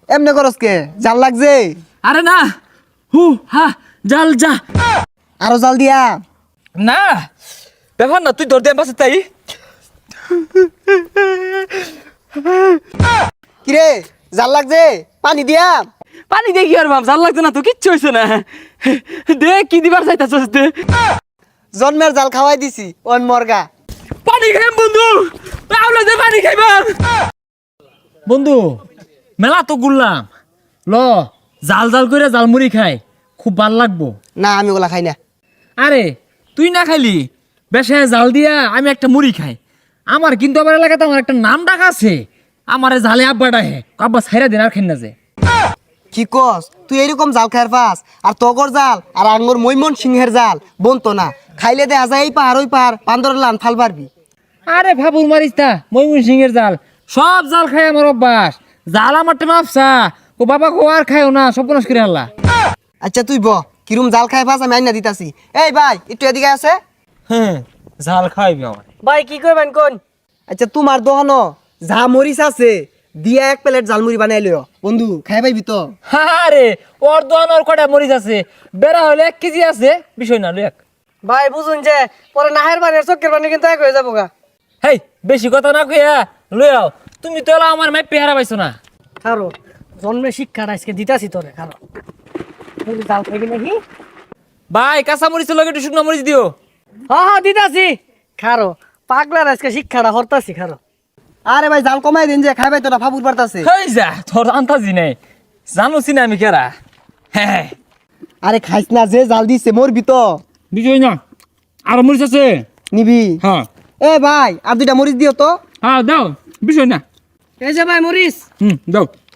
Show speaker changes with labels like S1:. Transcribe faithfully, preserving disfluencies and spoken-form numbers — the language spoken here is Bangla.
S1: এমনি করস কে? জাল লাগছে?
S2: আরে না, হু হা জাল যা।
S1: আরো জাল দিয়া?
S2: না ব্যাপার না, তুই ধর দে পাশে তাই।
S1: কিরে জাল লাগছে? পানি দিয়া?
S2: পানি দিয়ে কি আর বাপ, জাল লাগছে না তো, কিচ্ছু হয়েছে না। দে কি দিবার চাইতাছস দে।
S1: জন্মের জাল খাওয়াই দিছি ওন মর্গা।
S2: পানি খাইম বন্ধু, আউলা দে পানি খাইবাম। বন্ধু মেলা তো ঘুরলাম, ল জাল জাল করে জালমুড়ি খাই, খুব ভাল লাগবো।
S1: না আমি ওগুলা খাই না।
S2: আরে তুই না খাইলি, বেশে জাল দিয়া আমি একটা মুড়ি খাই। আমার কিন্তু আমার এলাকাতে আমার একটা নাম ডাক আছে, আমারে জালে আব্বা ডাকে, আব্বা ছাইরা দিন আর খাই না যে।
S1: কি কস তুই এরকম জাল খায়ের পাস? আর তগর জাল আর আঙ্গুর মৈমন সিংহের জাল বনতো না, খাইলে দেখা যায় এই পাহাড় ওই পাহাড় বান্দরের লান ফাল পারবি।
S2: আরে ভাবুর মারিস তা, ময়মন সিংহের জাল সব জাল খাই আমার অভ্যাস। জাল আমার টেমা আফসা, ও বাবা কো আর খাইও না, সব নাশ করে আল্লাহ।
S1: আচ্ছা তুই ব কিরম জাল খায় পাস আমি আইনা দিতাছি। এই ভাই একটু এদিকে আছে।
S2: হ্যাঁ জাল খাইবি আমার।
S3: ভাই কি করবেন কোন?
S1: আচ্ছা তোমার দোকানো যা মরিচ আছে দিয়া এক প্লেট জালমুড়ি বানাই লিও বন্ধু, খাই পাইবি তো?
S2: আরে ওর দোয়ান ওর কটা মরিচ আছে, বেড়া হলে এক কেজি আছে, বিষয় না লুক।
S3: ভাই বুঝুন যে পরে নাহের পানি আর চক্কের পানি কিন্তু এক হয়ে যাবো গা।
S2: হেই বেশি কথা না কইয়া লই আও, তুমি তো এলা আমার মাই পেহারা পাইছো না।
S3: খারো জন্মে শিক্ষাটা আজকে দিতাছি তোরে, খারো তুই জাল খাইবি নাকি?
S2: ভাই কাঁচা মরিচ লগে একটু শুকনো মরিচ দিও।
S3: হ্যাঁ হ্যাঁ দিতাছি, খারো পাগলার আজকে শিক্ষাটা হরতাছি, খারো।
S1: আরে ভাই জাল কমাই দিন যে খাই পাই তো না ফাবুর পারতাছে।
S2: হেই যা তোর আন্তাজি নাই, জানোছি না আমি কেরা। হ্যাঁ
S1: আরে খাইস না, যে জাল দিছে মরবি তো।
S2: বিষয় না, আর মরিচ আছে?
S1: নিবি?
S2: হ্যাঁ
S1: এ ভাই আর দুইটা মরিচ দিও তো।
S2: হ্যাঁ দাও, বিষয় না।
S3: এই যে ভাই মরিস।
S2: হুম দাও।